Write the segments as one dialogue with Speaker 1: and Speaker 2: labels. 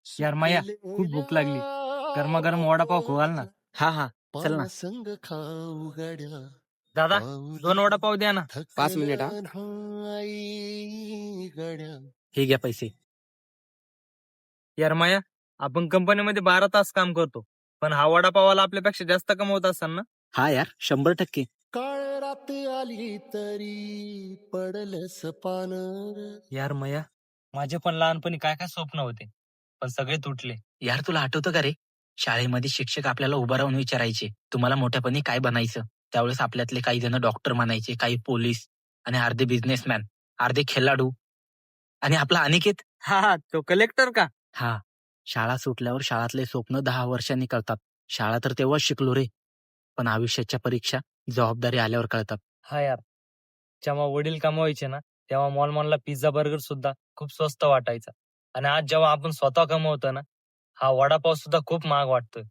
Speaker 1: यार माया, खूप भूक लागली. गरमागरम वडापाव खाऊ घाल ना.
Speaker 2: हा हा, चल ना.
Speaker 3: संग खाऊ गड्या
Speaker 1: दादा, 2 वडापाव द्या ना.
Speaker 2: 5 मिनिट हा.
Speaker 3: आई गड्या.
Speaker 2: हे घ्या पैसे.
Speaker 1: यार माया, आपण कंपनीमध्ये 12 तास काम करतो, पण हा वडापावाला आपल्यापेक्षा जास्त कमवत असाल ना?
Speaker 2: हा यार, 100%.
Speaker 3: काळ रात आली तरी पडलंस पान.
Speaker 1: यार मया, माझे पण लहानपणी काय काय स्वप्न होते, पण सगळे तुटले.
Speaker 2: यार, तुला आठवतं का रे, शाळेमध्ये शिक्षक आपल्याला उभं राहून विचारायचे, तुम्हाला मोठ्यापणी काय बनायचं? त्यावेळेस आपल्यातले काही जण डॉक्टर म्हणायचे, काही पोलीस आणि अर्धे बिझनेसमॅन, अर्धे खेळाडू. आणि आपला अनिकेत,
Speaker 1: हा हा, तो कलेक्टर का?
Speaker 2: हा, शाळा सुटल्यावर शाळातले स्वप्न 10 वर्षांनी कळतात. शाळा तर तेव्हाच शिकलो रे, पण आयुष्याच्या परीक्षा जबाबदारी आल्यावर कळतात.
Speaker 1: हा यार, जेव्हा वडील कमवायचे ना, तेव्हा मॉलमॉनला पिझ्झा बर्गर सुद्धा खूप स्वस्त वाटायचा. आणि आज जेव्हा आपण स्वतः कमवतो ना, हा वडापाव सुद्धा खूप महाग वाटतोय.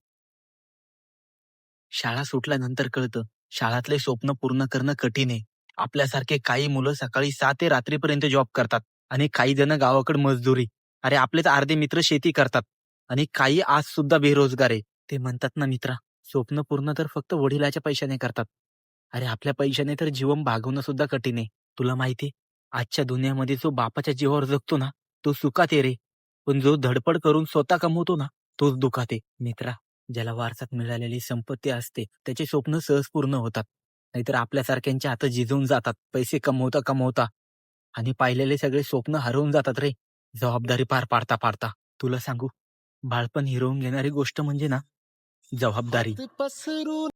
Speaker 2: शाळा सुटल्यानंतर कळतं, शाळातले स्वप्न पूर्ण करणं कठीण आहे. आपल्यासारखे काही मुलं सकाळी 6 ते रात्रीपर्यंत जॉब करतात आणि काही जण गावाकडे मजदुरी. अरे, आपलेच अर्धे मित्र शेती करतात आणि काही आज सुद्धा बेरोजगार आहे. ते म्हणतात ना मित्रा, स्वप्न पूर्ण तर फक्त वडिलाच्या पैशाने करतात. अरे, आपल्या पैशाने तर जीवन भागवणं सुद्धा कठीण आहे. तुला माहितीये, आजच्या दुनियामध्ये जो बापाच्या जीवावर जगतो ना, तो सुखात आहे रे. पण जो धडपड करून स्वतः कमवतो ना, तोच दुखात आहे. मित्रा, ज्याला वारसात मिळालेली संपत्ती असते, त्याचे स्वप्न सहज पूर्ण होतात. नाहीतर आपल्यासारख्यांच्या हात झिजून जातात पैसे कमवता कमवता. आणि पाहिलेले सगळे स्वप्न हरवून जातात रे, जबाबदारी पार पाडता पाडता. तुला सांगू, बाळपण हिरवून घेणारी गोष्ट म्हणजे ना, जबाबदारी.
Speaker 3: हात पसरून